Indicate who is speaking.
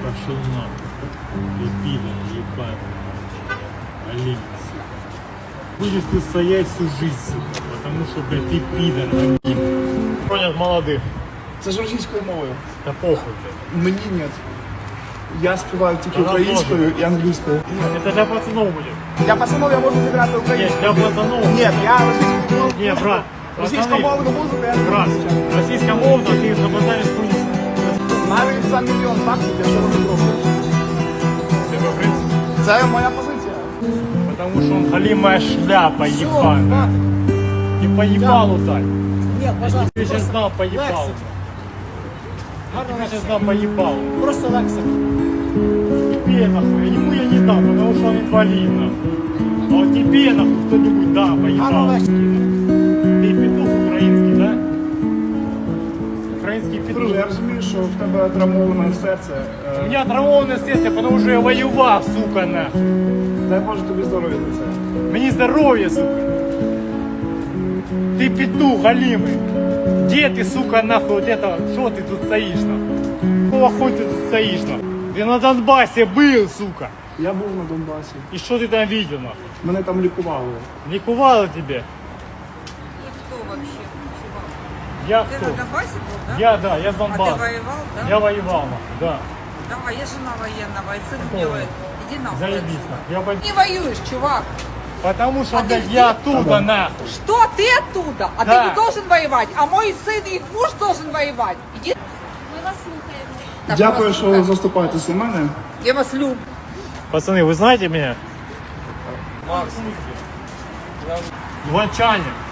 Speaker 1: Пошел нахуй. Ты пидор, ебаный. Олень, сука. Будешь ты стоять всю жизнь, сука, потому что, блядь, ты пидор, олень. Понят молодых.
Speaker 2: Це ж російською мовою.
Speaker 1: Да похуй, блядь.
Speaker 2: Мені ні. Я співаю тільки
Speaker 1: Вона
Speaker 2: українською і англійською.
Speaker 1: Это для пацанов будет.
Speaker 2: Для пацанов я можу зіграти
Speaker 1: Нет,
Speaker 2: українською.
Speaker 1: для пацанов.
Speaker 2: Ні, я російською мовою.
Speaker 1: Не, брат.
Speaker 2: Російськомовну музику я не
Speaker 1: Брат,
Speaker 2: вивчаю.
Speaker 1: российскомовно ты забазаришь хуйню.
Speaker 2: Навіть за $1 мільйон я цього не зроблю.
Speaker 1: Тебе, в принципе.
Speaker 2: Це моя позиція.
Speaker 1: Потому что он халимая шляпа, ебаная. И по ебалу дай.
Speaker 3: Нет,
Speaker 1: Я
Speaker 3: пожалуйста,
Speaker 1: тебе сейчас дам по ебалу. Я тебе сейчас дам по ебалу.
Speaker 3: просто лексик.
Speaker 1: Тебе нахуй, я нихуя не дам, потому что он инвалид нахуй. А вот тебе нахуй кто-нибудь да, по ебалу. Ты петух украинский, да? Украинский петух.
Speaker 2: Друже, я розумію, що в тебе травмоване серце.
Speaker 1: У меня травмованное сердце, потому что я воевал, сука, нахуй.
Speaker 2: Дай Боже тобі здоров'я за це.
Speaker 1: Мне здоровье, сука. Ты петух голимый. Где ты, сука, нахуй, вот это, что ты тут стоишь, нахуй? Какого хуя ты тут стоишь, нахуй? Ты на Донбассе был, сука.
Speaker 2: Я був на Донбасі.
Speaker 1: И что ты там видел, нахуй?
Speaker 2: Мене там лікували.
Speaker 1: Ликовало тебе?
Speaker 4: И кто вообще? Чувак?
Speaker 1: Я
Speaker 4: Ты
Speaker 1: кто?
Speaker 4: на Донбассе был, да?
Speaker 1: Я с
Speaker 4: А
Speaker 1: Донбасса.
Speaker 4: ты воевал, да?
Speaker 1: Я воевал, нахуй, да.
Speaker 4: Давай, я жена военного, и сын
Speaker 1: Какого?
Speaker 4: делает. Иди нахуй.
Speaker 1: Заебись,
Speaker 4: отсюда.
Speaker 1: нахуй. Я пойду.
Speaker 4: Не воюешь, чувак.
Speaker 1: Потому что,
Speaker 4: А ты
Speaker 1: блядь,
Speaker 4: где?
Speaker 1: я оттуда, нахуй.
Speaker 4: Что ты оттуда? А
Speaker 1: Да.
Speaker 4: ты не должен воевать. А мой сын и их муж должен воевать. Иди.
Speaker 5: Ми вас слухаємо.
Speaker 4: Так,
Speaker 2: Дякую,
Speaker 4: вас
Speaker 2: що
Speaker 4: люблю.
Speaker 2: заступаєтесь за мене.
Speaker 4: Я вас люблю.
Speaker 1: Пацаны, вы знаете меня? Макс. Иванчане.